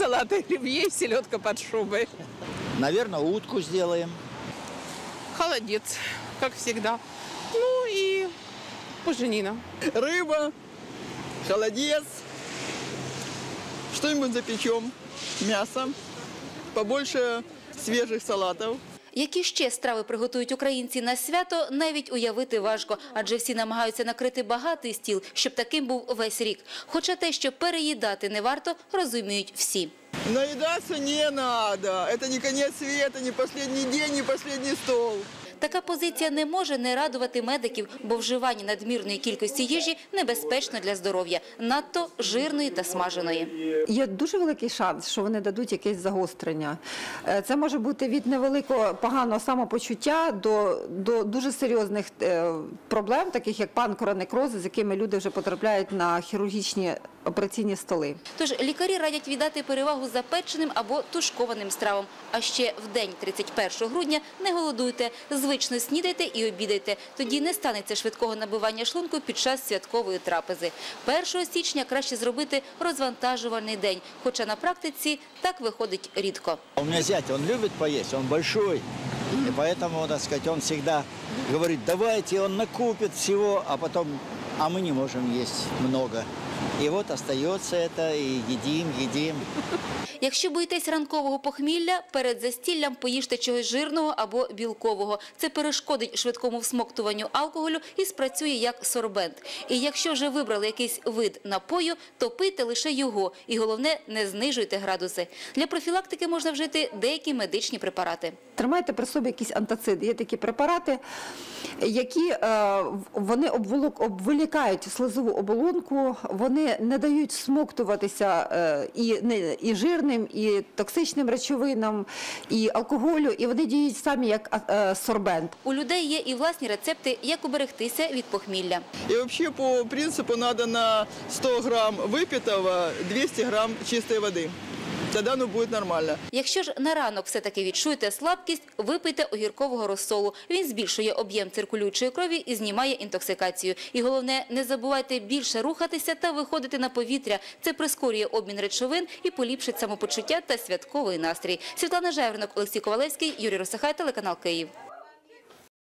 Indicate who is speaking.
Speaker 1: салат оливье, селедка под шубой.
Speaker 2: Наверное, утку сделаем.
Speaker 1: Холодец, как всегда. Ну и буженина.
Speaker 3: Рыба, холодец, что-нибудь запечем, мясо, побольше свежих салатов.
Speaker 4: Які ще страви приготують українці на свято, навіть уявити важко, адже всі намагаються накрити багатий стіл, щоб таким був весь рік. Хоча те, що переїдати не варто, розуміють всі.
Speaker 3: Наедаться не надо, это не конец света, не последний день, не последний стол.
Speaker 4: Така позиція не може не радувати медиків, бо вживання надмірної кількості їжі небезпечно для здоров'я, надто жирної та смаженої.
Speaker 5: Є дуже великий шанс, що вони дадуть якесь загострення. Це може бути від невеликого поганого самопочуття до дуже серйозних проблем, таких як панкеронекрози, з якими люди вже потрапляють на хірургічні операційні столи.
Speaker 4: Тож лікарі радять віддати перевагу запеченим або тушкованим стравам. А ще в день 31 грудня не голодуйте, звично снідайте і обідайте. Тоді не станеться швидкого набивання шлунку під час святкової трапези. 1 січня краще зробити розвантажувальний день, хоча на практиці так виходить рідко.
Speaker 2: У меня зять, он любит поесть, он большой. И поэтому, так сказать, он всегда говорит, давайте, он накупит всего, а потом, а мы не можем есть много. И вот остается это, и едим.
Speaker 4: Якщо боїтесь ранкового похмілля, перед застіллям поїжте чогось жирного або білкового. Це перешкодить швидкому всмоктуванню алкоголю і спрацює як сорбент. І якщо вже вибрали якийсь вид напою, то пийте лише його. І головне, не знижуйте градуси. Для профілактики можна вжити деякі медичні препарати.
Speaker 5: Тримайте при собі якісь антациди. Є такі препарати, які вони обволікають слизову оболонку, вони не дають всмоктуватися і жирним, і токсичним речовинам, і алкоголю, і вони діють самі як сорбент.
Speaker 4: У людей є і власні рецепти, як уберегтися від похмілля.
Speaker 3: И вообще по принципу надо на 100 грамм выпитого 200 грамм чистой воды. Тогда оно будет нормально.
Speaker 4: Якщо ж на ранок все-таки відчуєте слабкість, випийте огіркового розсолу. Він збільшує об'єм циркулюючої крові і знімає інтоксикацію. І головне, не забувайте більше рухатися та виходити на повітря. Це прискорює обмін речовин і поліпшить самопочуття та святковий настрій. Світлана Жайворонок, Олексій Ковалевський, Юрій Росихай, телеканал Київ.